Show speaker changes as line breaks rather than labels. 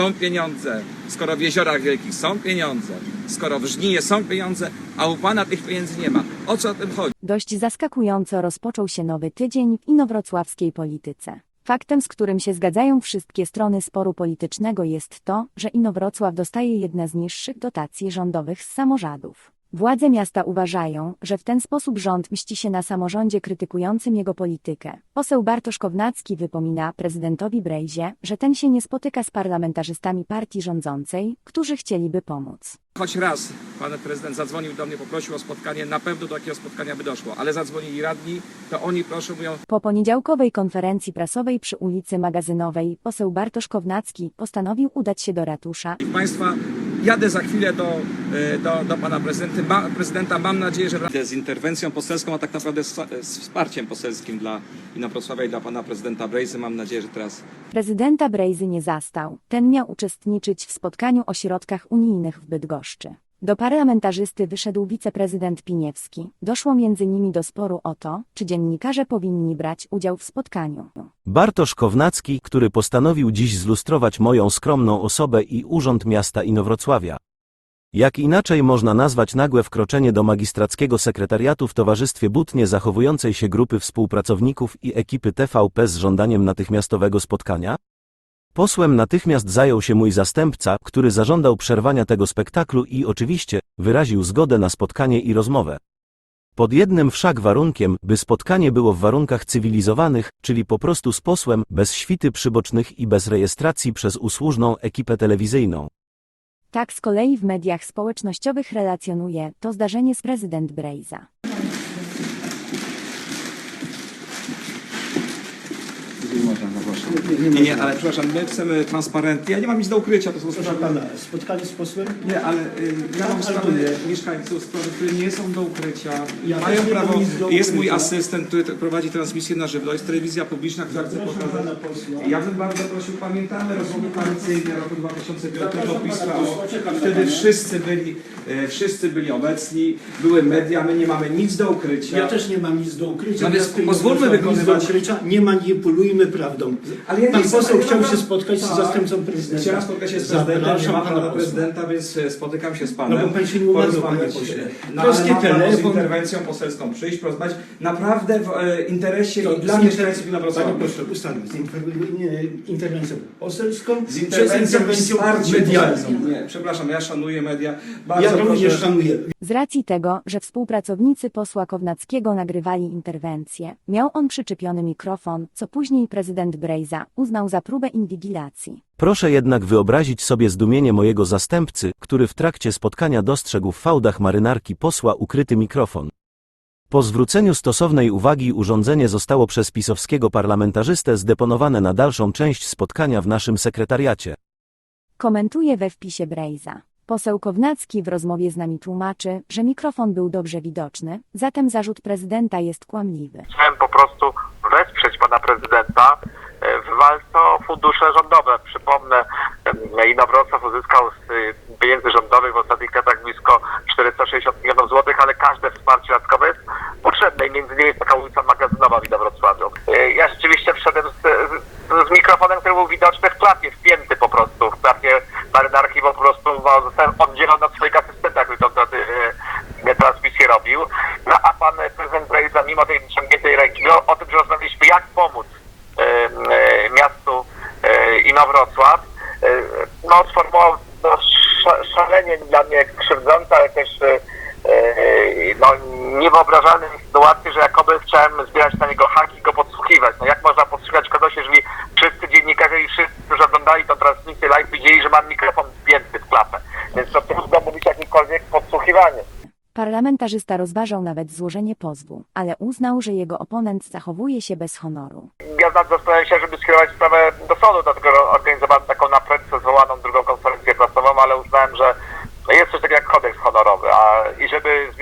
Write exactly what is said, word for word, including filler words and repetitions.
Są pieniądze, skoro w Jeziorach Wielkich są pieniądze, skoro w Żninie są pieniądze, a u pana tych pieniędzy nie ma. O co o tym chodzi?
Dość zaskakująco rozpoczął się nowy tydzień w inowrocławskiej polityce. Faktem, z którym się zgadzają wszystkie strony sporu politycznego, jest to, że Inowrocław dostaje jedne z niższych dotacji rządowych z samorządów. Władze miasta uważają, że w ten sposób rząd mści się na samorządzie krytykującym jego politykę. Poseł Bartosz Kownacki wypomina prezydentowi Brejzie, że ten się nie spotyka z parlamentarzystami partii rządzącej, którzy chcieliby pomóc.
Choć raz pan prezydent zadzwonił do mnie, poprosił o spotkanie, na pewno do takiego spotkania by doszło, ale zadzwonili radni, to oni proszę mówią...
Po poniedziałkowej konferencji prasowej przy ulicy Magazynowej poseł Bartosz Kownacki postanowił udać się do ratusza.
Państwa, jadę za chwilę do, do, do pana prezydenta. Ma, prezydenta. Mam nadzieję, że z interwencją poselską, a tak naprawdę z, z wsparciem poselskim dla Inowrocławia i dla pana prezydenta Brejzy. Mam nadzieję, że teraz...
Prezydenta Brejzy nie zastał. Ten miał uczestniczyć w spotkaniu o środkach unijnych w Bydgoszczy. Do parlamentarzysty wyszedł wiceprezydent Piniewski. Doszło między nimi do sporu o to, czy dziennikarze powinni brać udział w spotkaniu.
Bartosz Kownacki, który postanowił dziś zlustrować moją skromną osobę i urząd miasta Inowrocławia. Jak inaczej można nazwać nagłe wkroczenie do magistrackiego sekretariatu w towarzystwie butnie zachowującej się grupy współpracowników i ekipy T V P z żądaniem natychmiastowego spotkania? Posłem natychmiast zajął się mój zastępca, który zażądał przerwania tego spektaklu i oczywiście wyraził zgodę na spotkanie i rozmowę. Pod jednym wszak warunkiem, by spotkanie było w warunkach cywilizowanych, czyli po prostu z posłem, bez świty przybocznych i bez rejestracji przez usłużną ekipę telewizyjną.
Tak z kolei w mediach społecznościowych relacjonuje to zdarzenie z prezydent Brejza.
Nie, nie, nie, ale przepraszam, my chcemy transparentnie. Ja nie mam nic do ukrycia, to są
Proszę
sprawy...
pana, spotkanie z posłem?
Nie, ale y, ja mam sprawy mieszkańców, sprawy, które nie są do ukrycia.
Ja
Mają
też nie mam
prawo,
nic do
jest mój
ukrycia.
asystent, który t- prowadzi transmisję na żywo, jest telewizja publiczna, która chce
Zapraszam
pokazać.
pana posła.
Ja bym bardzo prosił, pamiętamy rozmowy koalicyjne roku dwa tysiące piątego,
Zapraszam
PiS
pana
trwało.
posła, czekam na
Wtedy
pana.
wszyscy byli, e, wszyscy byli obecni, były media, my nie mamy nic do ukrycia.
Ja też nie mam nic do ukrycia.
No więc
Miasto
pozwólmy
Inowrocław nic do
wykonywać-
ukrycia. Nie manipulujmy prawdą.
Ale ja nie
Pan
chcę-
poseł
ja
chciał
naprawdę-
się spotkać z
Tak.
zastępcą prezydenta.
Chciałem spotkać się z prezydentem, nie
Zapraszam
ma
pana
pana
posła.
prezydenta, więc e, spotykam się z panem.
No bo pan się nie umawiał,
porozmawiać,
panie pośle.
No, ale
Polski
mam prawo z
telefon-
interwencją poselską przyjść, porozmawiać naprawdę w e, interesie
To
i dla
z
mieszkańców
Panie
Inowrocławia.
proszę, ustalmy. Z inter- nie, interwencją poselską,
Z
czy z
interwencją i
interwencją
wsparciem
medialną.
poselskim. Nie, przepraszam, ja szanuję media. Bardzo
Ja również
proszę.
szanuję.
Z racji tego, że współpracownicy posła Kownackiego nagrywali interwencję, miał on przyczepiony mikrofon, co później prezydent Brejza uznał za próbę inwigilacji.
Proszę jednak wyobrazić sobie zdumienie mojego zastępcy, który w trakcie spotkania dostrzegł w fałdach marynarki posła ukryty mikrofon. Po zwróceniu stosownej uwagi urządzenie zostało przez pisowskiego parlamentarzystę zdeponowane na dalszą część spotkania w naszym sekretariacie.
Komentuje we wpisie Brejza. Poseł Kownacki w rozmowie z nami tłumaczy, że mikrofon był dobrze widoczny, zatem zarzut prezydenta jest kłamliwy.
Chciałem po prostu wesprzeć pana prezydenta w walce o fundusze rządowe. Przypomnę, Inowrocław uzyskał z pieniędzy rządowych w ostatnich latach blisko czterysta sześćdziesiąt milionów złotych, ale każde wsparcie dodatkowe jest potrzebne i między innymi jest taka ulica Magazynowa w Inowrocławiu. Ja rzeczywiście wszedłem z, z, z mikrofonem, który był widoczny w klapie, wpięty po prostu, w klapie marynarki, po prostu no, zostałem oddzielony od swojego asystenta, który tą e, transmisję robił. No a pan prezydent Brejza, mimo tej wyciągniętej ręki, no, o tym, że rozmawialiśmy, jak pomóc e, e, miastu e, Inowrocław, e, no sformułował no, sz, szalenie dla mnie krzywdzące, ale też e, no, niewyobrażalne sytuacje, że jakoby chciałem zbierać na niego haki i go podsłuchiwać. No jak można podsłuchiwać kogoś, jeżeli wszyscy dziennikarze i wszyscy, którzy oglądali tę transmisję live, widzieli, że mam mikrofon wpięty w klapę. Więc to trudno mówić jakiekolwiek podsłuchiwanie.
Parlamentarzysta rozważał nawet złożenie pozwu, ale uznał, że jego oponent zachowuje się bez honoru.
Ja zastanawiałem się, żeby skierować sprawę do sądu, dlatego organizowałem taką na prędce zwołaną drugą konferencję prasową, ale uznałem, że jest coś takiego jak kodeks honorowy, a i żeby